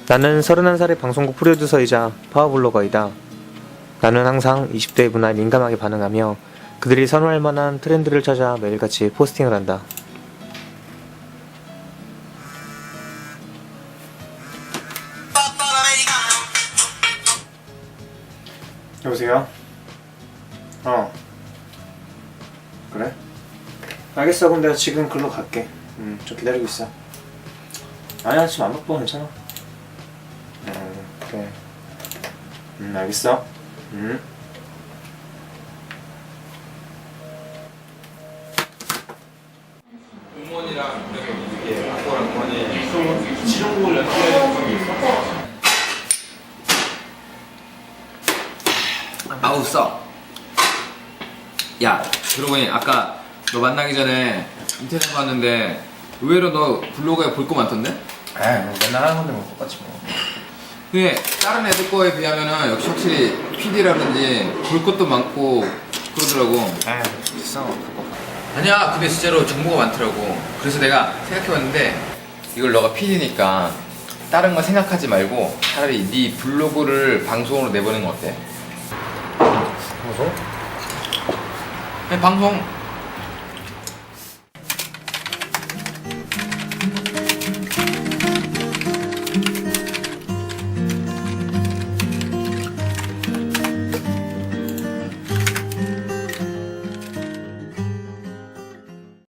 나는 31살의 방송국 프로듀서이자 파워블로거이다. 나는 항상 20대의 문화에 민감하게 반응하며 그들이 선호할 만한 트렌드를 찾아 매일같이 포스팅을 한다. 여보세요? 그래? 알겠어. 그럼 내가 지금 글로 갈게. 좀 기다리고 있어. 아니야, 지금 안 바빠. 괜찮아. 그래. 알겠어. 공무원이랑 이게 학교랑 권이 지정국을 연결해줄 게 있어? 아우 써. 야, 그러고 보니 아까 너 만나기 전에 인터넷 봤는데 의외로 너 블로그에 볼 거 많던데? 뭐 맨날 하는 건데 뭐 똑같지 뭐. 근데 다른 애들 거에 비하면은 역시 확실히 PD라든지 볼 것도 많고 그러더라고. 비싸 그거. 아니야, 근데 진짜로 정보가 많더라고. 그래서 내가 생각해봤는데 이걸 너가 PD니까 다른 거 생각하지 말고 차라리 네 블로그를 방송으로 내보는 건 어때? 방송? 그냥 방송